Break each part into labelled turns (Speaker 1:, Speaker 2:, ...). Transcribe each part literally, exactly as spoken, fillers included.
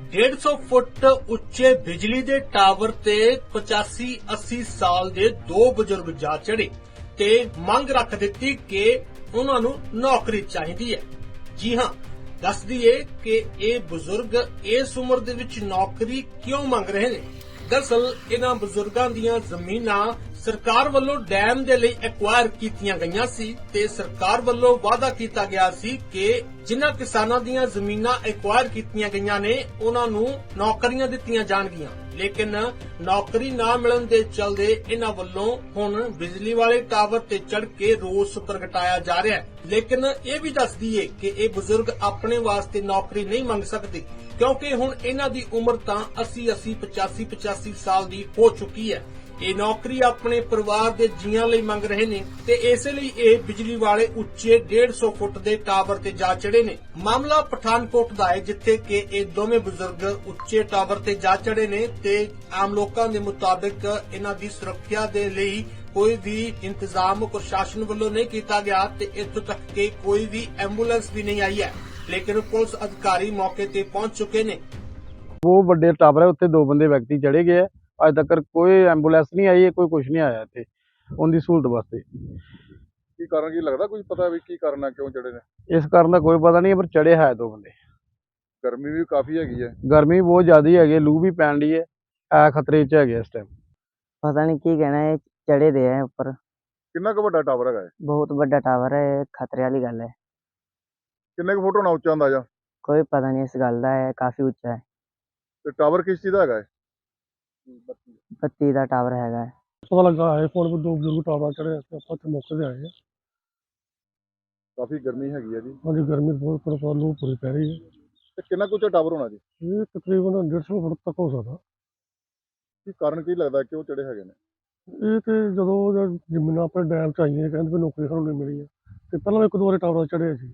Speaker 1: डेढ़ सौ फुट उच्चे बिजली दे टावर ते पचासी अस्सी साल दे दो बुजुर्ग जा चढ़े ते मंग रख दित्ती कि उन्हां नूं नौकरी चाहीदी है। जी हां, दस दईए कि ये बुजुर्ग इस उम्र दे विच नौकरी क्यों मंग रहे ने। दरअसल इन्हां बुजुर्गां दीयां ज़मीनां सरकार ਵੱਲੋਂ डैम ਦੇ ਲਈ ਐਕਵਾਇਰ ਕੀਤੀਆਂ ਗਈਆਂ ਸੀ ਤੇ ਸਰਕਾਰ ਵੱਲੋਂ ਵਾਅਦਾ ਕੀਤਾ ਗਿਆ ਸੀ ਕਿ ਜਿਨ੍ਹਾਂ ਕਿਸਾਨਾਂ ਦੀਆਂ ਜ਼ਮੀਨਾਂ ਐਕਵਾਇਰ ਕੀਤੀਆਂ ਗਈਆਂ ਨੇ ਉਹਨਾਂ ਨੂੰ ਨੌਕਰੀਆਂ ਦਿੱਤੀਆਂ ਜਾਣਗੀਆਂ। ਲੇਕਿਨ ਨੌਕਰੀ ਨਾ ਮਿਲਣ ਦੇ ਚਲਦੇ ਇਹਨਾਂ ਵੱਲੋਂ ਹੁਣ ਬਿਜਲੀ ਵਾਲੇ ਟਾਵਰ ਤੇ ਚੜ੍ਹ ਕੇ ਰੋਸ ਪ੍ਰਗਟਾਇਆ ਜਾ ਰਿਹਾ ਹੈ। ਲੇਕਿਨ ਇਹ ਵੀ ਦੱਸ ਦਈਏ ਕਿ ਇਹ ਬਜ਼ੁਰਗ ਆਪਣੇ ਵਾਸਤੇ ਨੌਕਰੀ ਨਹੀਂ ਮੰਗ ਸਕਦੇ ਕਿਉਂਕਿ ਹੁਣ ਇਹਨਾਂ ਦੀ ਉਮਰ ਤਾਂ अस्सी अस्सी पचासी पचासी ਸਾਲ ਦੀ ਹੋ ਚੁੱਕੀ ਹੈ। ਇਹ ਨੌਕਰੀ ਆਪਣੇ ਪਰਿਵਾਰ ਦੇ ਜੀਆਂ ਲਈ ਮੰਗ ਰਹੇ ਨੇ ਤੇ ਇਸੇ ਲਈ ਇਹ ਬਿਜਲੀ ਵਾਲੇ ਉੱਚੇ डेढ़ सौ ਫੁੱਟ ਦੇ ਟਾਵਰ ਤੇ ਜਾ ਚੜੇ ਨੇ। ਮਾਮਲਾ ਪਠਾਨਕੋਟ ਦਾ ਹੈ ਜਿੱਥੇ ਕਿ ਇਹ ਦੋਵੇਂ ਬਜ਼ੁਰਗ ਉੱਚੇ ਟਾਵਰ ਤੇ ਜਾ ਚੜੇ ਨੇ ਤੇ ਆਮ ਲੋਕਾਂ ਦੇ ਮੁਤਾਬਿਕ ਇਹਨਾਂ ਦੀ ਸੁਰੱਖਿਆ ਦੇ ਲਈ ਕੋਈ ਵੀ ਇੰਤਜ਼ਾਮ ਪ੍ਰਸ਼ਾਸਨ ਵੱਲੋਂ ਨਹੀਂ ਕੀਤਾ ਗਿਆ ਤੇ ਇੱਥੋਂ ਤੱਕ ਕਿ ਕੋਈ ਵੀ ਐਂਬੂਲੈਂਸ ਵੀ ਨਹੀਂ ਆਈ ਹੈ। ਲੇਕਿਨ ਪੁਲਿਸ ਅਧਿਕਾਰੀ ਮੌਕੇ ਤੇ ਪਹੁੰਚ ਚੁੱਕੇ ਨੇ।
Speaker 2: वो बड़े टावर है उत्थे दो बंदे व्यक्ति चढ़े गए अज तक कोई एंबूलेंस नहीं आई है, कोई कुछ नहीं आया इत्थे उनकी सहूलत वास्ते।
Speaker 3: की कारण की लगता कुछ पता भी की कारण है क्यों चढ़े ने?
Speaker 2: इस कारण का कोई पता नहीं है पर चढ़े है दो बंदे।
Speaker 3: गर्मी भी काफी हैगी है,
Speaker 2: गर्मी बहुत ज्यादा है, लू भी पैन डी है, है खतरे च है इस टाइम।
Speaker 4: पता नहीं की कहना है, चढ़े दे है ऊपर।
Speaker 3: कितना क वड्डा टावर है?
Speaker 4: बहुत बड़ा टावर है, खतरे वाली गल है।
Speaker 3: किन्ने क फुट होना उच्चा अंदाजा?
Speaker 4: कोई पता नहीं इस गल का है, काफी उच्चा है।
Speaker 3: ते टावर किस चीज का है?
Speaker 4: बत्ती का टावर हैगा है।
Speaker 5: पता लगा है फोन पर दो बुजुर्ग टावर चढ़े ਆਪਾਂ ਤੇ ਮੌਕੇ ਤੇ ਆਏ ਆ।
Speaker 3: काफी गर्मी हैगी है जी।
Speaker 5: ਹਾਂਜੀ ਗਰਮੀ ਬਹੁਤ ਪਰ ਪਰ ਲੂ ਪੂਰੀ ਪੈ ਰਹੀ ਹੈ।
Speaker 3: ते कितना कुछ टावर होना जी?
Speaker 5: ਇਹ ਤਕਰੀਬਨ डेढ़ सौ ਫੁੱਟ ਤੱਕ ਹੋ ਸਕਦਾ।
Speaker 3: की कारण की लगता क्यों चढ़े हैगे ने?
Speaker 5: ਇਹ ਤੇ ਜਦੋਂ ਜ਼ਮੀਨਾਂ ਆਪਣੇ ਡੈਮ ਚ ਆਈਆਂ ਕਹਿੰਦੇ ਵੀ ਨੌਕਰੀ ਸਾਨੂੰ ਨਹੀਂ ਮਿਲੀ ਹੈ ਤੇ ਪਹਿਲਾਂ ਇੱਕ ਦੋ ਵਾਰੀ ਟਾਵਰ ਚੜ੍ਹੇ ਸੀ।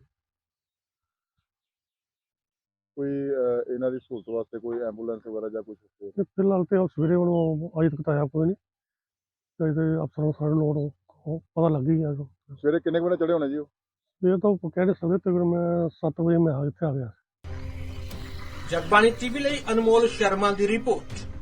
Speaker 3: कोई इन्हां दी सहूलत वास्ते कोई एंबूलेंस वगैरह या कुछ?
Speaker 5: ਤੇ ਫਿਲਹਾਲ ਤੇ ਸਵੇਰੇ ਹੁਣ ਅਜੇ ਤੱਕ ਤਾਂ ਆਇਆ ਕੋਈ ਨਹੀਂ ਤੇ ਇਹਦੇ ਅਫਸਰਾਂ ਨੂੰ ਸਾਰੇ ਲੋੜ ਪਤਾ ਲੱਗ ਹੀ ਗਿਆ।
Speaker 3: सवेरे किन्ने बजे चढ़े होने जी?
Speaker 5: ਇਹ ਤਾਂ ਕਹਿ ਨਹੀਂ ਸਕਦੇ ਤਕਰੀਬਨ ਮੈਂ ਸੱਤ ਵਜੇ ਮੈਂ ਇੱਥੇ ਆ ਗਿਆ।
Speaker 1: ਜਗਬਾਣੀ ਟੀਵੀ ਲਈ ਅਨਮੋਲ ਸ਼ਰਮਾ ਦੀ ਰਿਪੋਰਟ।